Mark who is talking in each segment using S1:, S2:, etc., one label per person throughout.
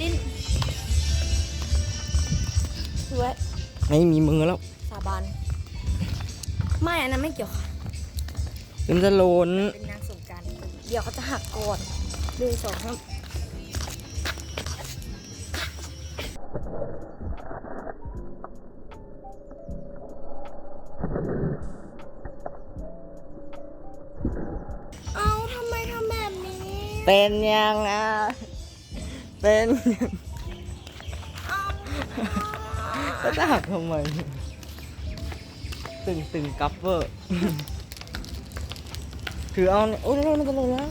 S1: ลิ้นดูไว้
S2: ไม่มีมือแล้ว
S1: สาบานไม่อันนั้นไม่เกี่ยวค่ะ
S2: เป็นจะโลน
S1: เป็นนางสงกรานต์เดี๋ยวเขาจะหักก่อน1 2 3เอาทำไมทำแบบนี้
S2: เป็นยังอ่ะเป็นยังแล้วจะหักทำไมตึงกัฟเวอร์ถือเอาเนี่ยโอ้ยมันจะโลนแล้ว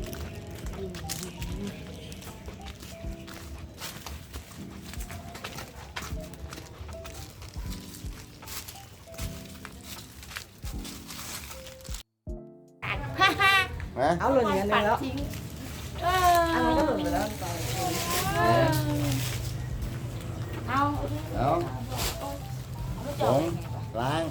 S2: เอาหล่นอย่างนี้แล้วอันนี้ก็หล่นไปแล้ว
S3: เอาผงล้าง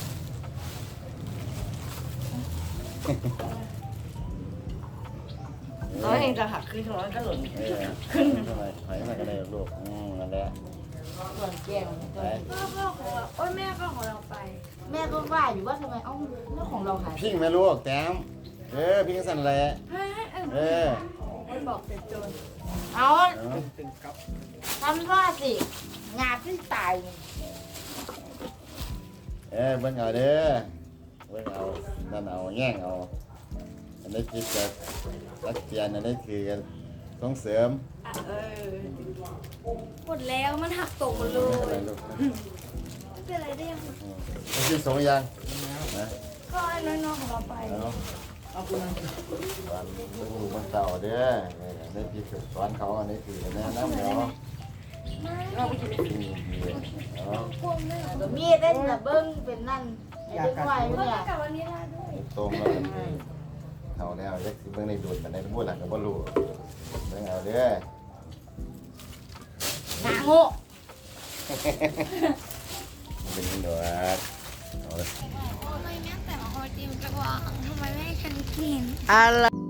S2: น้อยเองจะหักขึ้นน้อยก็หล่น
S3: ขึ้นทำไมถอยมาก็ได้ลูกนั่นแหละ
S2: ส่วนแก้ว
S3: ไป
S1: พ่อของเราโอ้ยแม่ก็ของเราไป
S2: แม่ก็ว่าอยู่ว่าทำไมเอ้าเรื่องของเราหาย
S3: พิงแม่ลูกแต้มพิงสั่นแหละ
S1: บอกเป็นโจร
S2: เอาทำว่าสิงาที่ตาย
S3: เบิ่งเอาเด้อเบิ่งเอานั่นเอาแง่งเอาอันนี้คิดจะรักเจียนอันนี้คือกันส่งเสริม
S1: หมดแล้วมันหักตกหมดเล
S3: อะไร
S1: ย
S3: ลูก
S1: ไม่เป็นไรได้ยัง
S3: ที่สองยังนะ
S1: ก็ไอ้น้อยๆของเราไป
S3: เอาวันลูกมันเต่าเด้อในที่ฝึกสอนเขาอันนี้คือแนะนำเนาะ
S2: มีดได้แต่เบิ้งเป็นนั่นไอ้เด็กวัย
S1: ก็
S2: เนี่ย
S1: กลับวันนี้ได้ด้วย
S3: ตรงแล้วเขาแล้วยักษ์เบิ่งในดูดมันในพูดหลังก็บ่รู้เบิ่งเอาเด้อ
S2: หนาโง่
S3: เป็นยังไงวะ
S1: ทำไมแม่แต่มาโฮจิมกระวางทำไมไม่ให้ฉันกิน
S2: อะไร